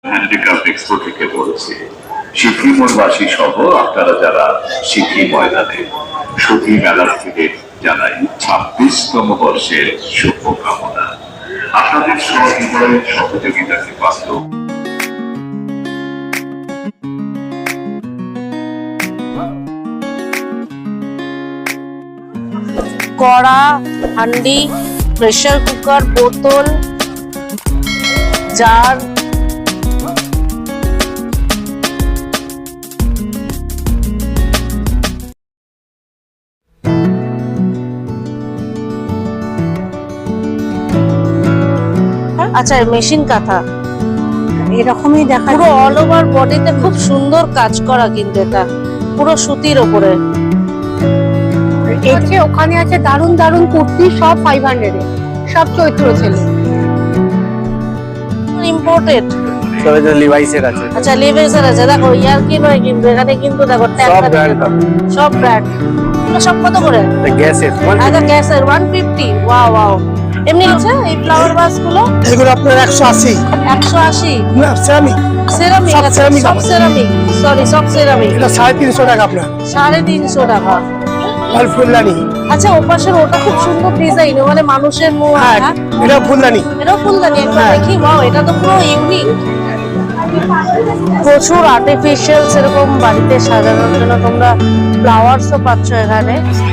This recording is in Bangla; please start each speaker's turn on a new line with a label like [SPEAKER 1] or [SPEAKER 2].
[SPEAKER 1] হ্যান্ডিক্রাফট এক্সপো থেকে বলছি। সিকিমবাসী সহ আপনারা যারা সিকিম ময়দানে সতী মেলার্থীদের জানাই 26তম বর্ষের শুভকামনা। আপনাদের সহযোগিতাকে পাত্র
[SPEAKER 2] কড়া, হান্ডি, প্রেসার কুকার, বোতল, জার, আচ্ছা মেশিন কাঁথা
[SPEAKER 3] এরকমই দেখা
[SPEAKER 2] পুরো অল ওভার বডিতে খুব সুন্দর কাজ করা, কিন্তু এটা পুরো সুতির ওপরে।
[SPEAKER 3] এসে ওখানে আছে দারুন দারুন কুর্তি, সব 500 এ, সব চৈত্র ছেলে
[SPEAKER 2] ইম্পোর্টেড।
[SPEAKER 4] সব এটা লিভাইসের আছে।
[SPEAKER 2] আচ্ছা লিভাইসের আছে, দেখো ইয়ার কি নয়, কিন্তু এখানে কিন্তু দেখো
[SPEAKER 4] সব ব্র্যান্ড
[SPEAKER 2] সব ব্র্যান্ড। সব কত করে?
[SPEAKER 4] গ্যাসের
[SPEAKER 2] আচ্ছা গ্যাসের 150। Wow wow. এমনি আছে এই ফ্লাওয়ার ভাস গুলো?
[SPEAKER 4] এগুলো আপনার 180
[SPEAKER 2] 180
[SPEAKER 4] না সেরামিক
[SPEAKER 2] সেরামিক।
[SPEAKER 4] সব
[SPEAKER 2] আচ্ছা
[SPEAKER 4] ceramic
[SPEAKER 2] সব
[SPEAKER 4] আছে।
[SPEAKER 2] সেরামিক, সরি সব সেরামিক।
[SPEAKER 4] এটা 350 টাকা আপনার
[SPEAKER 2] 350 টাকা।
[SPEAKER 4] আর ফুলদানি।
[SPEAKER 2] আচ্ছা ওপাশের ওটা খুব সুন্দর ডিজাইন, মানে মানুষের মুখ।
[SPEAKER 4] হ্যাঁ এটা ফুলদানি।
[SPEAKER 2] এটাও ফুলদানি, একবার দেখি। ওয়াও, এটা তো পুরো ইউনিক। প্রচুর আর্টিফিশিয়াল সেরকম বাড়িতে সাজানোর জন্য তোমরা ফ্লাওয়ার্সও পাচ্ছ এখানে।